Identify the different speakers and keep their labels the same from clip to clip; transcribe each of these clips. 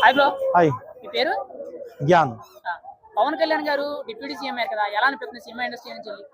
Speaker 1: Hi bro.
Speaker 2: Hi.
Speaker 1: మీ పేరు?
Speaker 2: జ్ఞాన్.
Speaker 1: పవన్ కళ్యాణ్ గారు deputy CM అయ్యారు కదా, ఎలా అనిపిస్తుంది సినిమా ఇండస్ట్రీ నుంచి వెళ్ళి?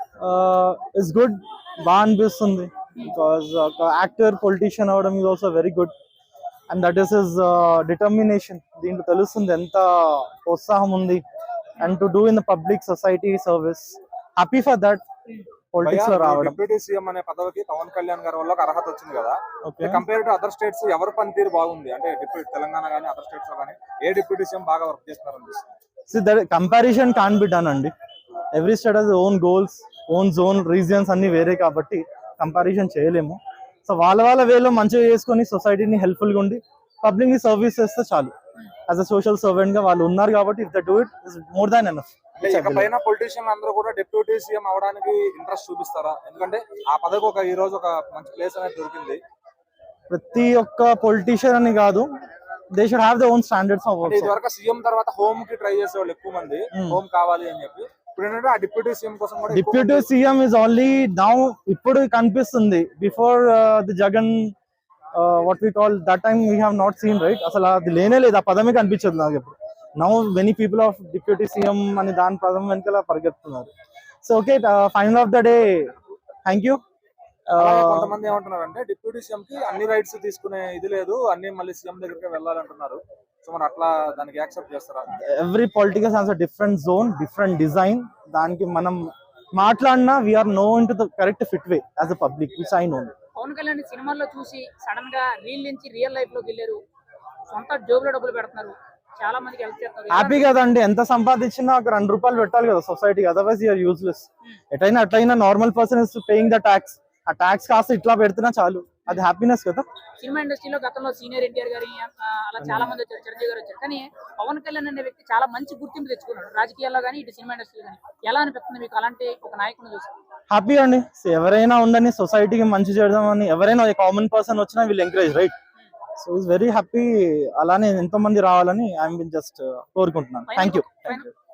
Speaker 2: ఇట్స్ గుడ్, బాగా అనిపిస్తుంది. బికాస్ ఒక యాక్టర్ పొలిటీషియన్ అవడం is also very good and that is his determination. దీంట్లో తెలుస్తుంది ఎంత ఉత్సాహం ఉంది and to do in the public society service. Happy for that. Politics లో రావడం.
Speaker 3: డిప్యూటీ సీఎం అనే పదవికి పవన్ కళ్యాణ్ గారి వల్ల ఒక అర్హత వచ్చింది కదా. కంపేర్ టు అదర్ స్టేట్స్ ఎవరి పనితీరు బాగుంది అంటే డిప్యూటీ తెలంగాణ కానీ అదర్ స్టేట్స్ లో కానీ ఏ డిప్యూటీ సీఎం బాగా వర్క్ చేస్తున్నారు అనిపిస్తుంది?
Speaker 2: See, that comparison can't be done అండి. Every state has own goals, own zone, regions అన్ని వేరే కాబట్టి కంపారిజన్ చేయలేము. సో వాళ్ళ వేలో మంచిగా చేసుకొని సొసైటీని హెల్ప్ఫుల్గా ఉండి పబ్లిక్ ని సర్వీస్ చేస్తే చాలు. యాజ్ అ సోషల్ సర్వెంట్ గా వాళ్ళు ఉన్నారు కాబట్టి if they do it is more than enough.
Speaker 3: ఇకపైన పొలిటీషియన్ అందరూ కూడా డిప్యూటీ సీఎం అవడానికి ఇంట్రెస్ట్ చూపిస్తారా? ఎందుకంటే ఆ పదవికి ఒక ఈ రోజు ఒక మంచి ప్లేస్ అనేది దొరికింది.
Speaker 2: ప్రతి ఒక్క పొలిటీషియన్ అని కాదు, they should have the own standards of work.
Speaker 3: ఇదివరకు సీఎం తర్వాత హోమ్ కి ట్రై చేసే వాళ్ళు ఎక్కువ మంది, హోమ్ కావాలి అని చెప్పి. ఇప్పుడు ఏంటంటే ఆ డిప్యూటీ సీఎం కోసం కూడా
Speaker 2: deputy CM is only now ఇప్పుడు కనిపిస్తుంది. Before the Jagan what we call that time we have not seen right. అసలు అది లేనే లేదు, ఆ పదమే కనిపించదు నాకు ఇప్పుడు. Now many people of deputy CM అని దాని పదం వెనకాల పరిగెత్తున్నారు. So okay, final of the day thank you.
Speaker 3: కొంతమంది ఏమంటున్నారు అంటే డిప్యూటీ సీఎం కి అన్ని రైట్స్ తీసుకునే ఇది లేదు, అన్ని మళ్ళీ సీఎం దగ్గరికి వెళ్ళాలంటున్నారు. సో మరి అట్లా దానికి యాక్సెప్ట్ చేస్తారా?
Speaker 2: Every political has a different zone, different design. దానికి మనం మాట్లాడినా we are know in to the correct fit way as a public which I know.
Speaker 1: Pavan Kalyan సినిమాల్లో చూసి సడన్ గా రీల్ నుంచి రియల్ లైఫ్ లోకి వెళ్ళారు, సొంత జోబులో డబ్బులు పెడుతున్నారు, చాలా మందికి హెల్ప్ చేస్తారు.
Speaker 2: హ్యాపీ కదండి. ఎంత సంపాదించినా ఒక 2 రూపాయలు పెట్టాలి కదా సొసైటీకి, అదర్వైజ్ యూఆర్ యూజ్లెస్. ఎటైనా అట్లయినా normal person is paying the tax. ఆ ట్యాక్స్ కాస్త ఇట్లా పెడుతున్నా చాలు, అది హ్యాపీనెస్ కదా.
Speaker 1: సినిమా ఇండస్ట్రీలో గతంలో సీనియర్ ఎన్టీఆర్ గారి అలా చాలా మంది వచ్చారు, చిరంజీవి గారు వచ్చారు. కానీ పవన్ కళ్యాణ్ అనే వ్యక్తి చాలా మంచి గుర్తింపు తెచ్చుకున్నాడు రాజకీయాల్లో కానీ ఇటు సినిమా ఇండస్ట్రీలో కానీ. ఎలా అనిపిస్తుంది మీకు అలాంటి ఒక నాయకుడిని చూసి?
Speaker 2: హ్యాపీ అండి. ఎవరైనా ఉండని సొసైటీకి మంచి చేద్దామని ఎవరైనా కామన్ పర్సన్ వచ్చినా వీళ్ళు encourage right. So it's very happy. అలానే ఎంతో మంది రావాలని ఐఎమ్ జస్ట్ కోరుకుంటున్నాను. Thank you.